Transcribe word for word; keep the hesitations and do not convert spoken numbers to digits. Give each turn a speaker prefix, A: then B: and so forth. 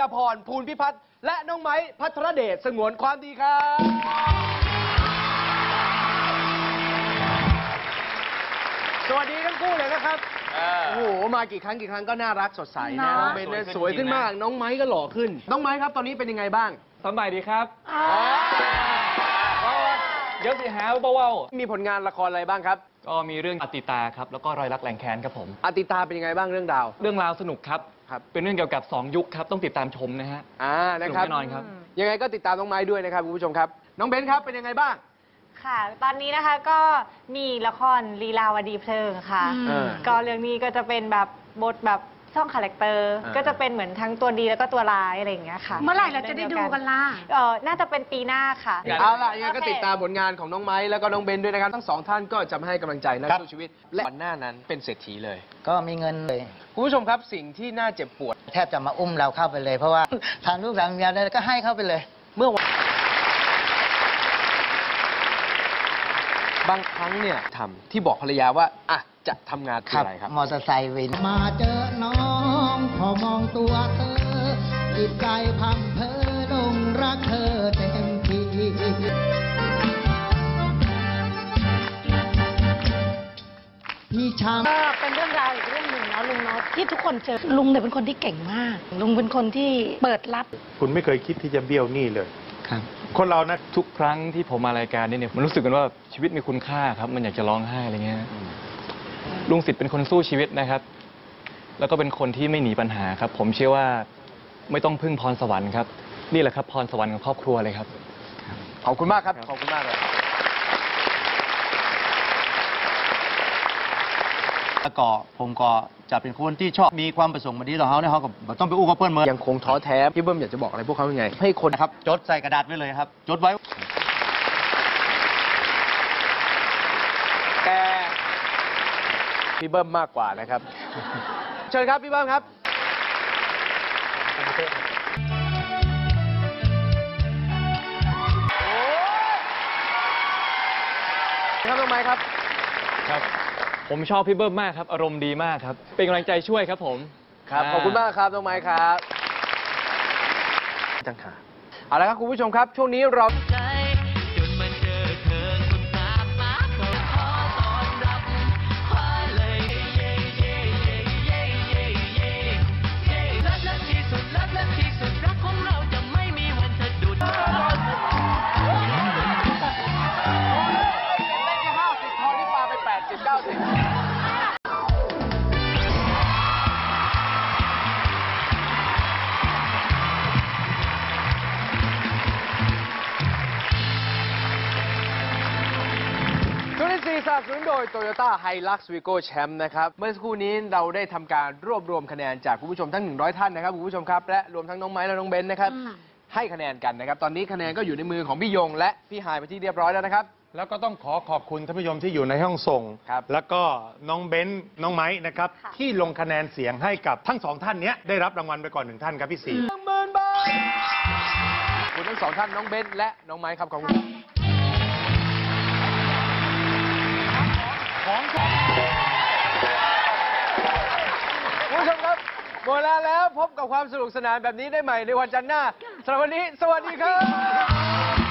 A: พรภูลพิพัฒน์และน้องไม้พัทรเดชสงวนความดีครับสวัสดีทั้งคู่เลยนะครับโอ้โหมากี่ครั้งกี่ครั้งก็น่ารักสดใสนะน้องเบนสวยขึ้นมากน้องไม้ก็หล่อขึ้นน้องไม้ครับตอนนี้เป็นยังไงบ้าง
B: สบายดีครับเดี๋ยวสิหาเบาๆ
A: มีผลงานละครอะไรบ้างครับ
B: ก็มีเรื่องอติตาครับแล้วก็รอยรักแรงแค้นครับผม
A: อติตาเป็นยังไงบ้างเรื่องดาว
B: เรื่องราวสนุกครับ
A: ครับ
B: เป็นเรื่องเกี่ยวกับสองยุคครับต้องติดตามชมนะฮะ
A: อ่านะครับ
B: แน่นอนครับ
A: ยังไงก็ติดตามน้องไม้ด้วยนะครับคุณผู้ชมครับน้องเบนครับเป็นยังไงบ้าง
C: ค่ะตอนนี้นะคะก็มีละครลีลาวดีเพลิงค่ะก็เรื่องนี้ก็จะเป็นแบบบทแบบช่องคาแรคเตอร์ก็จะเป็นเหมือนทั้งตัวดีแล้วก็ตัวร้ายอะไรอย่างเงี้ยค่ะ
D: เมื่อไหร่เราจะได้ดูกันล่ะ
C: เออน่าจะเป็นปีหน้าค่ะ
A: เอาล่ะยังไงก็ติดตามผลงานของน้องไม้แล้วก็น้องเบนด้วยนะครับทั้งสองท่านก็จะมาให้กำลังใจนักสู้ชีวิตและก่อนหน้านั้นเป็นเศรษฐีเลย
E: ก็มีเงินเลย
A: คุณผู้ชมครับสิ่งที่น่าเจ็บปวด
E: แทบจะมาอุ้มเราเข้าไปเลยเพราะว่าทางลูกทางเมียได้ก็ให้เข้าไปเลย
A: เมื่อวันบางครั้งเนี่ยทำที่บอกภรรยาว่าอ่ะจะทำงานคืออะไรครับ
E: มอเตอร์ไซค์วินมาเจอน้องพอมองตัวเธอจิตใจพังเพอลงรักเธอเต็มที่พี่ช้ำ
D: ก็เป็นเรื่องราวอีกเรื่องหนึ่งนะลุงเนาะที่ทุกคนเจอลุงเนี่ยเป็นคนที่เก่งมากลุงเป็นคนที่เปิดรับ
F: คุณไม่เคยคิดที่จะเบี้ยวหนี้เลย
B: ครับ
F: คนเรานะ
B: ทุกครั้งที่ผมมารายการนี้เนี่ยมันรู้สึกกันว่าชีวิตมีคุณค่าครับมันอยากจะร้องไห้อะไรเงี้ยลุงสิทธิ์เป็นคนสู้ชีวิตนะครับแล้วก็เป็นคนที่ไม่หนีปัญหาครับผมเชื่อว่าไม่ต้องพึ่งพรสวรรค์ครับนี่แหละครับพรสวรรค์ของครอบครัวเลยครับ
A: ขอบคุณมากครับขอบคุณมากเลย
E: แล้วก็ผมก็จะเป็นคนที่ชอบมีความประสงค์มาดีต่อเขาเนี่ยเขาก็ต้องไปอู้กับเพื่อนเมือง
A: ยังคงท้อแท้พี่เบิ้มอยากจะบอกอะไรพวกเขายังไงให้คน
E: ครับจดใส่กระดาษไว้เลยครับจดไว้
A: แต่พี่เบิ้มมากกว่านะครับเชิญครับพี่เบิ้มครับครับน้องไม้ครับ
B: ครับผมชอบพี่เบิ้มมากครับอารมณ์ดีมากครับเป็นกำลังใจช่วยครับผม
A: ครับขอบคุณมากครับน้องไม้ครับจังค่ะเอาละครับคุณผู้ชมครับช่วงนี้เราสนับสนุนโดย Toyota Hilux Vigo Champ นะครับเมื่อสักครู่นี้เราได้ทำการรวบรวมคะแนนจากคุณผู้ชมทั้งหนึ่งร้อยท่านนะครับคุณผู้ชมครับและรวมทั้งน้องไม้และน้องเบนนะครับให้คะแนนกันนะครับตอนนี้คะแนนก็อยู่ในมือของพี่ยงและพี่หายไปที่เรียบร้อยแล้วนะครับ
F: แล้วก็ต้องขอขอบคุณท่านผู้ชมที่อยู่ในห้องส่งแล้วก็น้องเบนน้องไม้นะครับที่ลงคะแนนเสียงให้กับทั้งสองท่านนี้ได้รับรางวัลไปก่อนหนึ่งท่านครับพี่สี
A: หนึ่งหมื่นบาทคุณทั้งสองท่านน้องเบนและน้องไม้ครับขอบคุณของคุณผู้ชมครับหมดแล้วแล้วพบกับความสนุกสนานแบบนี้ได้ใหม่ในวันจันทร์หน้าสำหรับวันนี้สวัสดีครับ